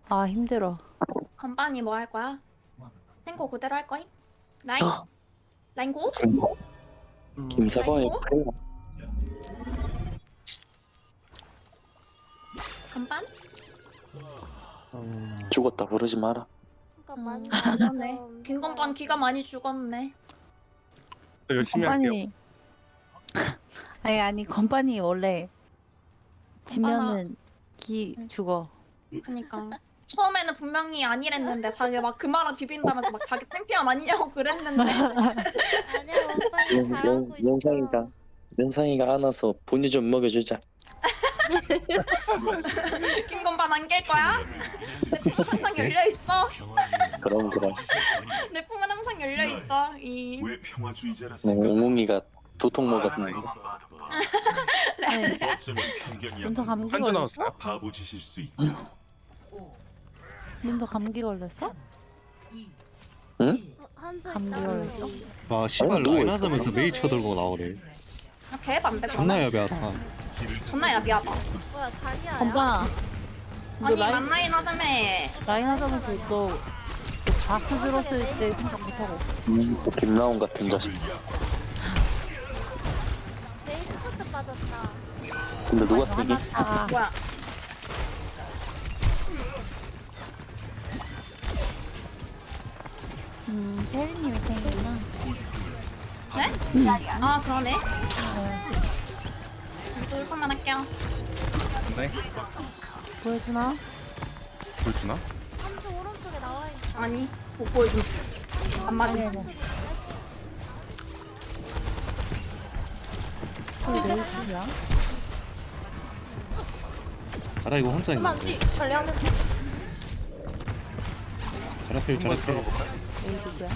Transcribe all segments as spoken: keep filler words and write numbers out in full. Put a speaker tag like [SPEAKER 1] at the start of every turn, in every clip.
[SPEAKER 1] 아 힘들어.
[SPEAKER 2] 건반이 뭐 할 거야? 탱고 그대로 할 거임? 라인?
[SPEAKER 3] 어,
[SPEAKER 2] 라인 고?
[SPEAKER 3] 김, 김사과의
[SPEAKER 2] 아이고.
[SPEAKER 3] 프레야.
[SPEAKER 2] 건반?
[SPEAKER 3] 죽었다 부르지 마라.
[SPEAKER 4] 그러니까 많이
[SPEAKER 2] 그러네.
[SPEAKER 4] 좀
[SPEAKER 2] 긴 건반 기가 많이 죽었네.
[SPEAKER 5] 열심히 할게요.
[SPEAKER 1] 건반이 아니 아니 건반이 원래 지면은 기 죽어.
[SPEAKER 2] 그니까 처음에는 분명히 아니랬는데 자기 막 그 말을 비빈다면서 막 자기 챔피언 아니냐고 그랬는데
[SPEAKER 4] 아니야 오빠는
[SPEAKER 3] 면-
[SPEAKER 4] 잘하고
[SPEAKER 3] 면-
[SPEAKER 4] 있어.
[SPEAKER 3] 면상이가 면상이가 안아서 분유 좀 먹여주자.
[SPEAKER 2] 긴 건반 안 깰 거야? 내 품은 항상 열려 있어.
[SPEAKER 3] 그럼 그럼.
[SPEAKER 2] 내 품은 항상 열려 있어. 이
[SPEAKER 6] 왜 평화주의자라
[SPEAKER 3] 네,
[SPEAKER 6] 생각?
[SPEAKER 3] 웅웅이가 도통 먹었는데.
[SPEAKER 1] 아니
[SPEAKER 6] 어쩌면 편견이야.
[SPEAKER 1] 민도 감기
[SPEAKER 5] 한주
[SPEAKER 1] 걸렸어?
[SPEAKER 5] 나왔어요.
[SPEAKER 6] 바보 짓일 수 있다.
[SPEAKER 1] 민도 감기 걸렸어?
[SPEAKER 3] 응?
[SPEAKER 4] 한주
[SPEAKER 1] 감기
[SPEAKER 4] 있다.
[SPEAKER 1] 걸렸어?
[SPEAKER 7] 와 씨발
[SPEAKER 3] 아니, 누워
[SPEAKER 7] 라인
[SPEAKER 3] 있어.
[SPEAKER 7] 하자면서 메이 쳐들고 나오네.
[SPEAKER 2] 개반대
[SPEAKER 7] 존나 야비하다.
[SPEAKER 2] 존나 야비하다.
[SPEAKER 4] 뭐야 다리야?
[SPEAKER 1] 건반아. 너
[SPEAKER 2] 아니
[SPEAKER 1] 라인
[SPEAKER 2] 만라인 하자며.
[SPEAKER 1] 라인 하자면서 너 바스 들었을 때 생각 못하고.
[SPEAKER 3] 음, 또 김나온 같은 자식.
[SPEAKER 4] 베이스 커트 빠졌다.
[SPEAKER 3] 근데 누가 되게
[SPEAKER 1] 아
[SPEAKER 2] 뭐야?
[SPEAKER 1] 음 테리님이 탱이구나.
[SPEAKER 2] 네? 아 그러네. 우리도 일판만 할게요.
[SPEAKER 5] 네.
[SPEAKER 1] 보여주나?
[SPEAKER 5] 보여주나?
[SPEAKER 4] 한주 오른쪽에 나와 있어.
[SPEAKER 2] 아니 못 보여줌. 안 맞음.
[SPEAKER 1] 아니 아니. 거의 내일 중이야.
[SPEAKER 7] 자라 이거 혼자
[SPEAKER 4] 그만
[SPEAKER 7] 있는데.
[SPEAKER 4] 뒤 전례하면서.
[SPEAKER 7] 자라필 자라필.
[SPEAKER 1] 내일 중이야.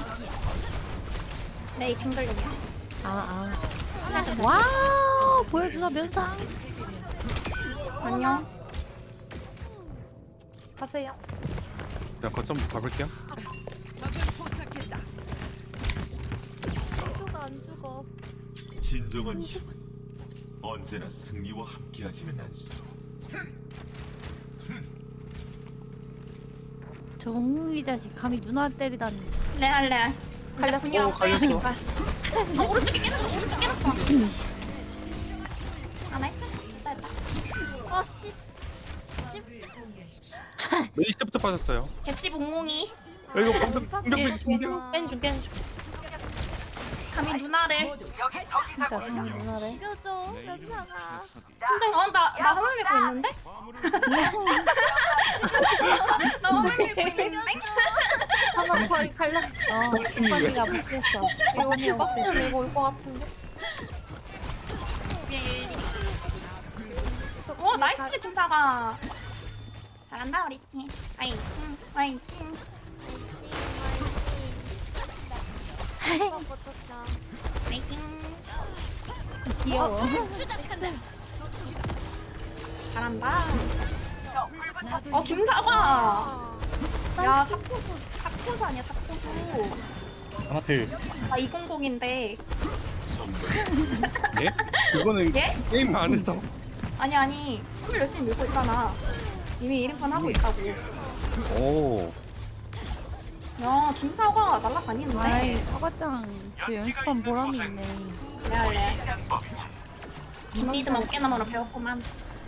[SPEAKER 2] 메이 핑글링이야.
[SPEAKER 1] 아 아. 와우 보여주나 면상.
[SPEAKER 2] 안녕.
[SPEAKER 4] 가세요.
[SPEAKER 5] 그냥 거점 가볼게요.
[SPEAKER 4] 한주가 안 죽어.
[SPEAKER 6] 진정한 힘은 언제나 승리와 함께하지는 않소.
[SPEAKER 1] 저 웅웅이 자식 감히 누나를 때리다니.
[SPEAKER 2] 레알 레알. 이제
[SPEAKER 4] 갈렸어.
[SPEAKER 2] 분야
[SPEAKER 5] 오,
[SPEAKER 2] 없어요.
[SPEAKER 5] 갈렸어.
[SPEAKER 2] 그러니까. 아 오른쪽에 깨졌어. 오른쪽 깨졌어. 아 나이스. 됐다 됐다.
[SPEAKER 4] 아 씨.
[SPEAKER 5] 메이 시부터 빠졌어요.
[SPEAKER 2] 개씨 몽몽이
[SPEAKER 5] 야, 이거 방금 방금
[SPEAKER 4] 깬
[SPEAKER 5] 방금
[SPEAKER 4] 깬 중, 깬 중.
[SPEAKER 2] 감히 누나를.
[SPEAKER 1] 진짜 감히 누나를.
[SPEAKER 4] 이겨줘, 연상아.
[SPEAKER 2] 어나나 화물 밀고 있는데? 나 화물 밀고 있는데?
[SPEAKER 4] 하나 거의 갈렸어.
[SPEAKER 1] 어 건반이가 못했어.
[SPEAKER 4] 이거 언니 빡치면 밀고 올 것 같은데.
[SPEAKER 2] 오 나이스 김사가. 잘한다 우리 팀. 화이팅 화이팅.
[SPEAKER 4] 오빠 버텼다.
[SPEAKER 2] 화이팅.
[SPEAKER 1] 귀여워.
[SPEAKER 2] 잘한다. 어 김사과.
[SPEAKER 4] 아,
[SPEAKER 2] 야 사포수 사포수 아니야 사포수.
[SPEAKER 7] 자라필.
[SPEAKER 2] 나 이공공인데.
[SPEAKER 5] 예? 그거는
[SPEAKER 2] 예?
[SPEAKER 5] 게임 안에서.
[SPEAKER 2] 아니 아니 춤을 열심히 밀고 있잖아. 이미 일 인판 하고 있다고.
[SPEAKER 7] 오.
[SPEAKER 2] 야 김사과 날라다니는데.
[SPEAKER 1] 아이 사과장 저 연습한 보람이 있네.
[SPEAKER 2] 레알레. 김리듬 어깨너머로 배웠구만.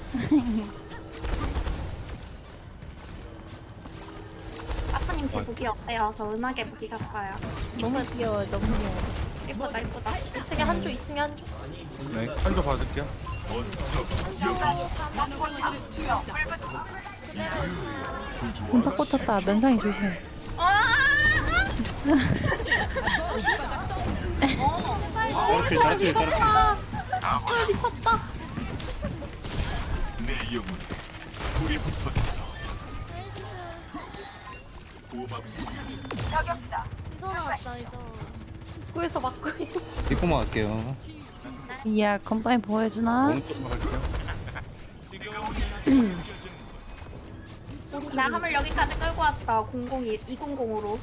[SPEAKER 2] 아차님 제 무기 어때요? 저 은하계 무기 샀어요.
[SPEAKER 1] 너무 귀여워 너무 귀여워.
[SPEAKER 2] 예쁘죠 예쁘죠?
[SPEAKER 4] 이 층에 한주, 이 층에 한주.
[SPEAKER 5] 네, 한조 봐줄게요.
[SPEAKER 1] 문탁 꽂혔다. 면상이 조심해.
[SPEAKER 2] 와!
[SPEAKER 7] 자라필 자라필 자라필.
[SPEAKER 4] 아, 미쳤다.
[SPEAKER 6] 내 영혼에 불이 붙었어. 고맙소.
[SPEAKER 4] 이거 나왔다, 이거. 입구에서 막고 있는.
[SPEAKER 7] 뒷고만 할게요.
[SPEAKER 1] 이야 건반이 보여주나?
[SPEAKER 5] 오른쪽 갈게요.
[SPEAKER 2] 나 화물 여기까지 끌고 왔어. 공공이 이공공으로.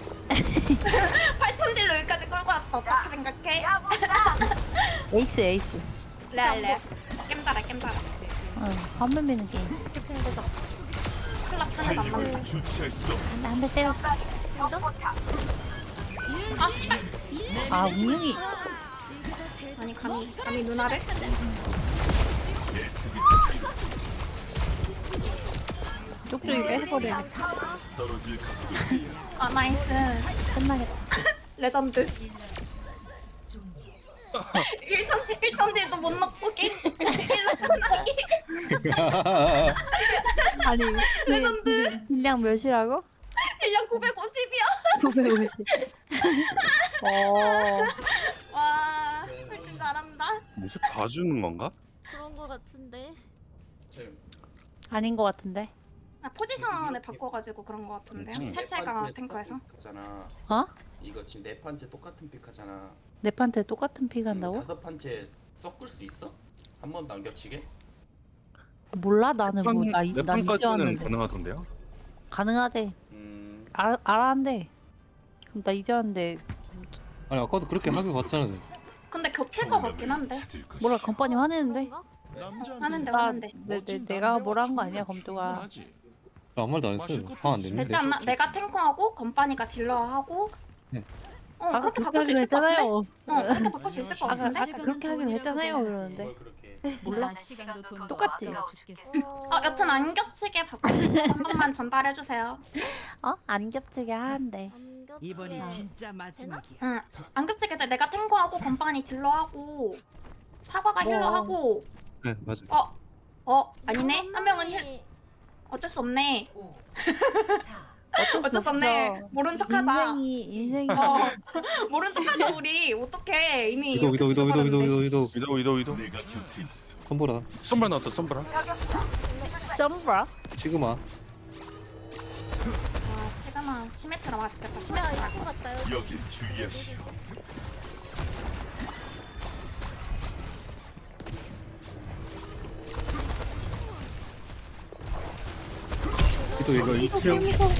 [SPEAKER 2] 팔천 딜로 여기까지 끌고 왔어. 어떻게 생각해?
[SPEAKER 1] 에이스 에이스.
[SPEAKER 2] 레알레. 겜자라 겜자라.
[SPEAKER 1] 어, 화면 미는 게임.
[SPEAKER 4] 디펜 되자.
[SPEAKER 2] 탈락 하나도 안 맞네.
[SPEAKER 6] 주체할 수 없어.
[SPEAKER 1] 한 대 때렸어.
[SPEAKER 2] 아 씨발.
[SPEAKER 1] 아 운명이.
[SPEAKER 2] 아니 감히 감히 누나를?
[SPEAKER 1] 쪽쪽이 빼버려.
[SPEAKER 6] 떨어질 각도.
[SPEAKER 2] 아 나이스.
[SPEAKER 1] 끝나겠다.
[SPEAKER 2] 레전드. 일천 일천 딜도 못 넣고 게임 일라 끝나기.
[SPEAKER 1] 아니
[SPEAKER 2] 레전드.
[SPEAKER 1] 딜량 몇이라고?
[SPEAKER 2] 딜량 구백오십이야.
[SPEAKER 1] 구백오십. 어.
[SPEAKER 2] 와, 훨씬 잘한다.
[SPEAKER 5] 뭐지 봐주는 건가?
[SPEAKER 4] 그런 거 같은데.
[SPEAKER 1] 아닌 것 같은데.
[SPEAKER 2] 아, 포지션을 바꿔가지고 그런 거 같은데요.
[SPEAKER 5] 음.
[SPEAKER 2] 채채가 탱커에서.
[SPEAKER 8] 픽하잖아.
[SPEAKER 1] 어?
[SPEAKER 8] 이거 지금 네 판째 똑같은 픽하잖아.
[SPEAKER 1] 내 판테 똑같은 픽
[SPEAKER 8] 음,
[SPEAKER 1] 한다고?
[SPEAKER 8] 다섯 판째 섞을 수 있어? 한 번도 안 겹치게?
[SPEAKER 1] 몰라 나는 뭐나
[SPEAKER 5] 내
[SPEAKER 1] 나 이제
[SPEAKER 5] 판까지는
[SPEAKER 1] 왔는데
[SPEAKER 5] 가능하던데요?
[SPEAKER 1] 가능하대.
[SPEAKER 8] 음.
[SPEAKER 1] 알아 알아한대. 그럼 나 이제 왔는데
[SPEAKER 7] 아니 아까도 그렇게 합의 봤잖아.
[SPEAKER 2] 근데 겹칠 것 같긴 한데.
[SPEAKER 1] 뭐라 건반이 화내는데?
[SPEAKER 2] 하는데
[SPEAKER 1] 나
[SPEAKER 2] 하는데.
[SPEAKER 1] 내, 내, 내가 뭐라 한 거 아니야 검조가.
[SPEAKER 7] 나 아무 말도 안 했어요. 화안 내는데.
[SPEAKER 2] 되지 않나? 내가 탱커하고 건빠니가 딜러하고.
[SPEAKER 7] 네.
[SPEAKER 2] 어
[SPEAKER 1] 아까
[SPEAKER 2] 그렇게
[SPEAKER 1] 그렇게
[SPEAKER 2] 바꿀 수
[SPEAKER 1] 하기로
[SPEAKER 2] 있을 것 같은데?
[SPEAKER 1] 했잖아요.
[SPEAKER 2] 어 그렇게 바꿀 수 있을 것
[SPEAKER 1] 아까
[SPEAKER 2] 같은데?
[SPEAKER 1] 아까 그렇게 하기로 했잖아요 그러는데.
[SPEAKER 8] 뭘 그렇게?
[SPEAKER 1] 몰라? 똑같지?
[SPEAKER 2] 어 여튼 안 겹치게 바꾸고 한 번만 전달해 주세요.
[SPEAKER 1] 어? 안 겹치게 하는데.
[SPEAKER 4] 안 겹치게.
[SPEAKER 9] 이번이 진짜 마지막이야.
[SPEAKER 2] 응. 안 겹치게 돼. 내가 탱커하고 건빠니 딜러하고 사과가
[SPEAKER 1] 뭐.
[SPEAKER 2] 힐러하고.
[SPEAKER 7] 네 맞아.
[SPEAKER 2] 어? 어? 아니네? 한 명은 힐. 어쩔 수 없네. 어쩔 수 없네. 모른 척하자.
[SPEAKER 1] 인생이 인생이.
[SPEAKER 2] 어 모른 척하자 우리. 어떡해 이미.
[SPEAKER 7] 위도 위도 위도 위도 위도 위도 위도.
[SPEAKER 5] 위도 위도 위도.
[SPEAKER 6] 내가 곁에 있어.
[SPEAKER 7] 손보라.
[SPEAKER 5] 썸브라 나왔다 썸브라.
[SPEAKER 1] 썸브라?
[SPEAKER 7] 지금아.
[SPEAKER 2] 아 시그마 시메트라 맛있겠다. 시메트라.
[SPEAKER 4] 이거 같다.
[SPEAKER 6] 여길 주의하시오.
[SPEAKER 7] 위도 이거
[SPEAKER 5] 이 층.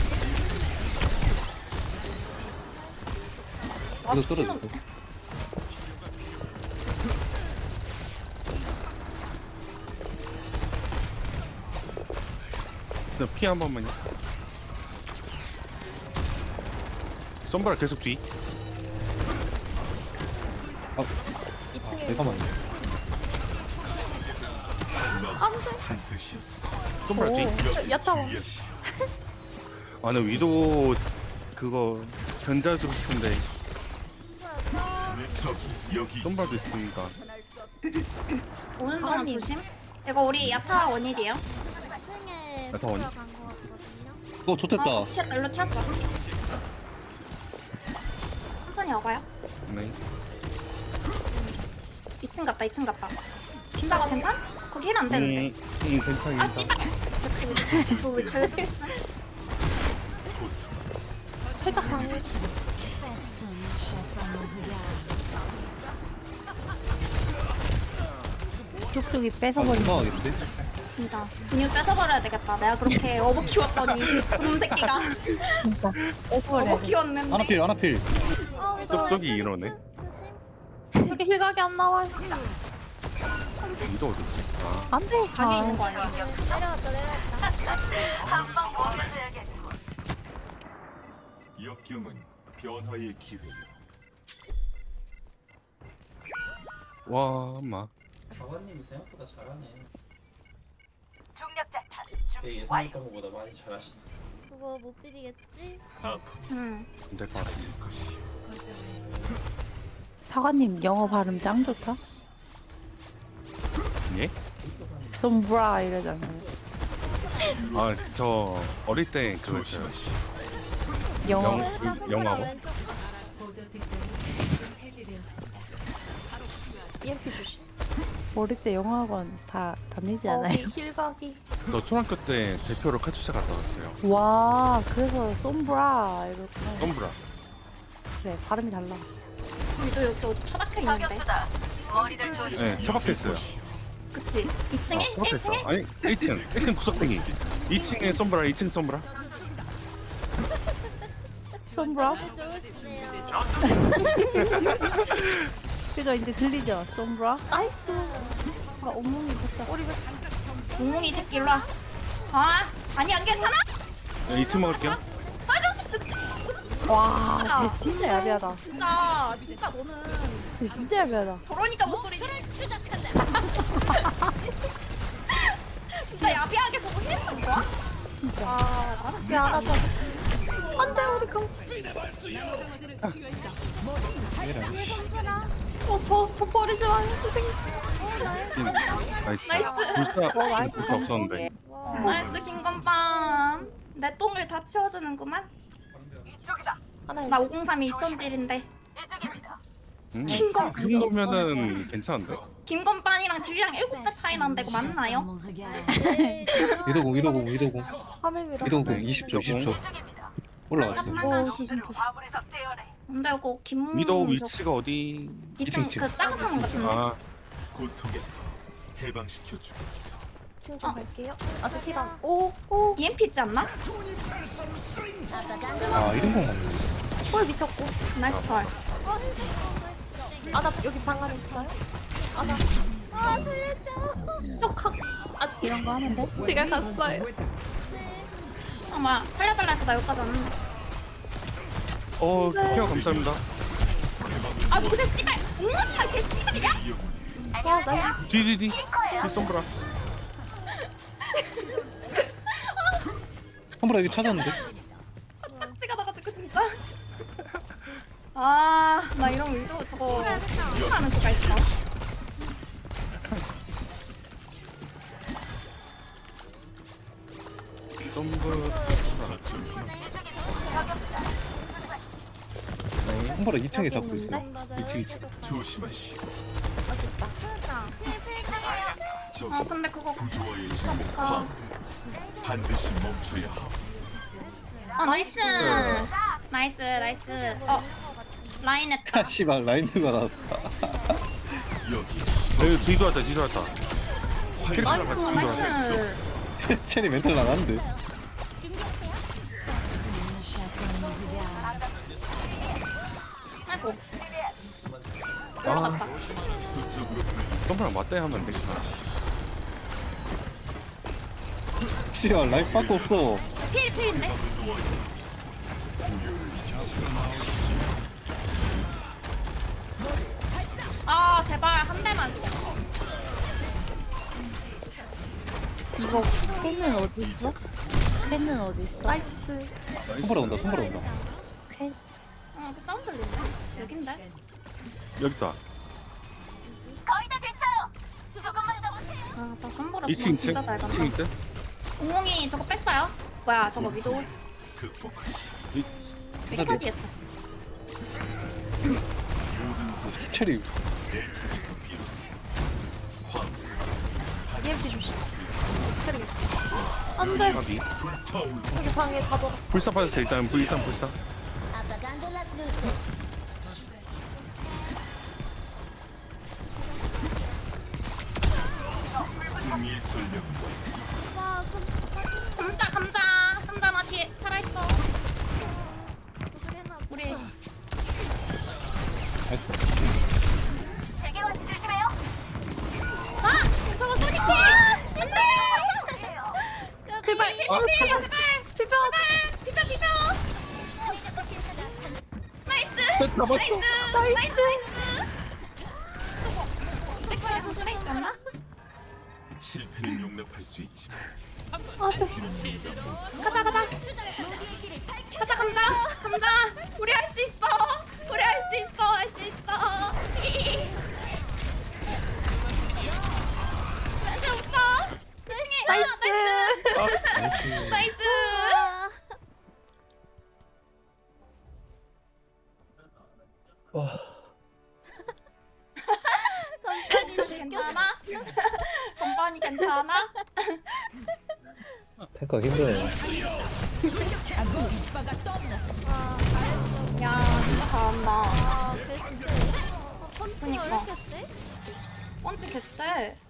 [SPEAKER 2] 아
[SPEAKER 7] 위도
[SPEAKER 2] 미친놈.
[SPEAKER 7] 떨어졌어.
[SPEAKER 5] 피 한 번만요. 썸브라 계속 뒤.
[SPEAKER 4] 이 층에
[SPEAKER 7] 내가 맞네.
[SPEAKER 6] 반드시였어.
[SPEAKER 5] 썸브라 뒤.
[SPEAKER 6] 여길
[SPEAKER 4] 야타워.
[SPEAKER 6] 주의하시오.
[SPEAKER 5] 아, 나 위도 그거 견제해주고 싶은데
[SPEAKER 6] 저기 여기 있어.
[SPEAKER 5] 썸브라도 있으니까.
[SPEAKER 2] 오는 동안 조심. 이거 우리 야타 원일이에요.
[SPEAKER 4] 이 층에
[SPEAKER 5] 나 다 원이?
[SPEAKER 4] 들어간 거 같거든요.
[SPEAKER 7] 어 좋댔다.
[SPEAKER 2] 어, 튀었다. 일로 튀었어. 천천히 와봐요.
[SPEAKER 5] 네.
[SPEAKER 2] 이 층 갔다. 이 층 갔다. 김사가 괜찮? 거기 힐 안 되는데.
[SPEAKER 5] 음, 음 괜찮아.
[SPEAKER 2] 아 씨발. 저왜 저기 힐스?
[SPEAKER 4] 살짝 방해.
[SPEAKER 1] 쪽쪽이
[SPEAKER 7] 아
[SPEAKER 1] 뺏어버린.
[SPEAKER 7] 민망하겠는데?
[SPEAKER 2] 진짜 근육 뺏어버려야 되겠다. 내가 그렇게 어버 키웠더니 놈 새끼가
[SPEAKER 1] 진짜 뺏어버려.
[SPEAKER 2] 어버 키웠는데.
[SPEAKER 7] 하나필 하나필.
[SPEAKER 5] 쪽쪽이 이러네.
[SPEAKER 4] 여기 힐각이 안 나와.
[SPEAKER 5] 위도 어딨지? 아,
[SPEAKER 1] 안돼.
[SPEAKER 2] 방에 있는 거 아니야?
[SPEAKER 4] 내려왔다 내려왔다.
[SPEAKER 6] 역경은 변화의 기회요.
[SPEAKER 5] 와, 마.
[SPEAKER 8] 사관님이 생각보다 잘하네. 내 예상했던 것보다 많이 잘하시네.
[SPEAKER 4] 그거 못 비비겠지?
[SPEAKER 2] 응.
[SPEAKER 5] 안될 것 같아.
[SPEAKER 1] 사관님 영어 발음 짱 좋다.
[SPEAKER 5] 예?
[SPEAKER 1] 썸브라 이러잖아요.
[SPEAKER 5] 아, 저 어릴 때 그거였어요.
[SPEAKER 1] 영어
[SPEAKER 5] 영, 영화고?
[SPEAKER 4] 이렇게 주시.
[SPEAKER 1] 어릴 때 영어학원 다 다니지 않아요?
[SPEAKER 4] 거기 힐각이.
[SPEAKER 5] 저 초등학교 때 대표로 카츠샤 갔다 왔어요.
[SPEAKER 1] 와 그래서 썸브라 이렇구나.
[SPEAKER 5] 썸브라.
[SPEAKER 1] 그래 발음이 달라.
[SPEAKER 2] 우리도 여기 어디 처박혀 있는데.
[SPEAKER 5] 네, 처박혔어요.
[SPEAKER 2] 그치? 이 층에? 일
[SPEAKER 5] 처박혔어.
[SPEAKER 2] 층에?
[SPEAKER 5] 아니, 일 층. 일 층 구석탱이. 이 층에 썸브라, 이 층 썸브라.
[SPEAKER 1] 썸브라?
[SPEAKER 4] 좋으시네요.
[SPEAKER 1] 그죠 이제 들리죠? 썸브라?
[SPEAKER 4] 나이스.
[SPEAKER 1] 아 온몸이 진짜.
[SPEAKER 2] 몽몽이 새끼 일로 와. 아 아니 안 괜찮아?
[SPEAKER 5] 야, 이 층 먹을게요.
[SPEAKER 1] 와, 쟤 진짜 야비하다.
[SPEAKER 2] 진짜 진짜 너는
[SPEAKER 1] 쟤 진짜 야비하다.
[SPEAKER 2] 저러니까 목소리지. 진짜 야비하게 저거 했던 거야?
[SPEAKER 1] 진짜.
[SPEAKER 2] 아 알았어.
[SPEAKER 4] 야 알아서. 안돼 우리 깜짝. 어저저 버리지 마 선생님.
[SPEAKER 5] 나이스.
[SPEAKER 2] 나이스.
[SPEAKER 5] 불사
[SPEAKER 1] 어, 나이스.
[SPEAKER 5] 불사 없었는데.
[SPEAKER 2] 나이스 김건빵. 내 똥을 다 치워주는구만.
[SPEAKER 4] 하나
[SPEAKER 2] 나 오공삼이 이천 딜인데
[SPEAKER 5] 음,
[SPEAKER 2] 킹검.
[SPEAKER 5] 그 정도면은 괜찮은데?
[SPEAKER 2] 김건빵이랑 딜량 일곱 배 차이 난다고 맞나요?
[SPEAKER 7] 위도공 위도공 위도공
[SPEAKER 4] 화물 밀어.
[SPEAKER 7] 위도공 이십 초 이십 초 올라왔어.
[SPEAKER 2] 잠깐만.
[SPEAKER 1] 오, 조심 조심.
[SPEAKER 2] 근데 이거 김
[SPEAKER 5] 위도우 위치가 어디?
[SPEAKER 2] 이층 그 작은 창문 같은데.
[SPEAKER 5] 아,
[SPEAKER 6] 고통에서 해방시켜 주겠어.
[SPEAKER 4] 층 좀 갈게요. 아직 힐안. 오오
[SPEAKER 2] 이엠피 있지 않나?
[SPEAKER 7] 아 이동공 맞네.
[SPEAKER 4] 홀 미쳤고.
[SPEAKER 2] 나이스 털.
[SPEAKER 4] 아나 여기 방 안에 있어요? 아나. 아 살려줘. 쪽학. 아
[SPEAKER 1] 이런 거 하면 돼?
[SPEAKER 4] 제가 갔어요.
[SPEAKER 2] 아 뭐야 살려달라 해서 나 여기까지 왔는데.
[SPEAKER 5] 어, 케어 감사합니다.
[SPEAKER 2] 아 누구세 씨발. 응아 개 씨발이야?
[SPEAKER 4] 와 나이스.
[SPEAKER 5] 뒤뒤뒤. 이 솜브라.
[SPEAKER 7] 솜브라 여기 찾았는데.
[SPEAKER 2] 딱지가 나가지고 진짜. 아 나 이런 위로 저거 하는 수가 있어.
[SPEAKER 5] 솜브라.
[SPEAKER 7] 솜브라 이 층에 잡고 있어.
[SPEAKER 5] 이 층 이 층.
[SPEAKER 6] 조심하시오. 저기
[SPEAKER 2] 아 근데 그거
[SPEAKER 6] 구조화의
[SPEAKER 2] 아,
[SPEAKER 6] 진행
[SPEAKER 2] 못 가.
[SPEAKER 6] 반드시 멈춰야 하오.
[SPEAKER 2] 아 나이스. 나이스 나이스. 어 라인 했다.
[SPEAKER 7] 아 씨발 라인드가 나왔다.
[SPEAKER 6] 여기
[SPEAKER 5] 여기 뒤도 왔다 뒤도 왔다. 캐릭터랑 같이
[SPEAKER 2] 어,
[SPEAKER 5] 뒤도 왔다.
[SPEAKER 2] 나이스.
[SPEAKER 7] 첸이 멘탈 나갔는데.
[SPEAKER 2] 아이고.
[SPEAKER 5] 아,
[SPEAKER 2] 올라갔다.
[SPEAKER 5] 솜브라 맞대 하면 안 되겠다.
[SPEAKER 7] 씨발 라인 밖에 없어.
[SPEAKER 2] 필 필인데? 아 제발 한 대만.
[SPEAKER 1] 이거 팬은 어디 있어? 팬은 어디 있어?
[SPEAKER 4] 나이스.
[SPEAKER 7] 솜브라 온다 솜브라 온다.
[SPEAKER 1] 팬.
[SPEAKER 2] 어, 그 사운드 들리네. 여긴데?
[SPEAKER 5] 여기 있다.
[SPEAKER 2] 아, 나 선보라
[SPEAKER 5] 이 층 이 층.
[SPEAKER 2] 진짜 잘
[SPEAKER 5] 이 층
[SPEAKER 2] 간다.
[SPEAKER 5] 있대.
[SPEAKER 2] 공공이 저거 뺐어요? 뭐야, 저거 위도
[SPEAKER 5] 이
[SPEAKER 2] 백사 뒤했어.
[SPEAKER 7] 첸이
[SPEAKER 4] 이엠피 조심. 안돼.
[SPEAKER 5] 가비.
[SPEAKER 4] 여기 방에 가둬놨어.
[SPEAKER 5] 불사 빠졌어 일단 불 일단 불사.
[SPEAKER 6] 승리의 전략과
[SPEAKER 2] 감자, 감자. 감자 나 뒤에 살아있어. 우리 아! 저거 소닉 필! 안 돼! 제발, 필, 필, 제발!
[SPEAKER 4] 비벼.
[SPEAKER 2] 비벼, 비벼! 나이스!
[SPEAKER 5] 잡았어.
[SPEAKER 2] 나이스! 저거 이백 프레임 소리 있지 않나?
[SPEAKER 6] 실패는 용납할 수 있지만
[SPEAKER 2] 가자, 가자! 가자, 감자! 감자! 우리 할 수 있어! 우리 할 수 있어! 할 수 있어! 이. 왠지 없어! 나이스! 나이스! 나이스! 괜찮아? 건반이 괜찮아?
[SPEAKER 7] 탱커 힘드네.
[SPEAKER 2] 야 진짜 잘한다.
[SPEAKER 4] 아 베스트. 어, 펀치가 왜
[SPEAKER 2] 그니까.
[SPEAKER 4] 이렇게 세?
[SPEAKER 2] 펀치 개쎄.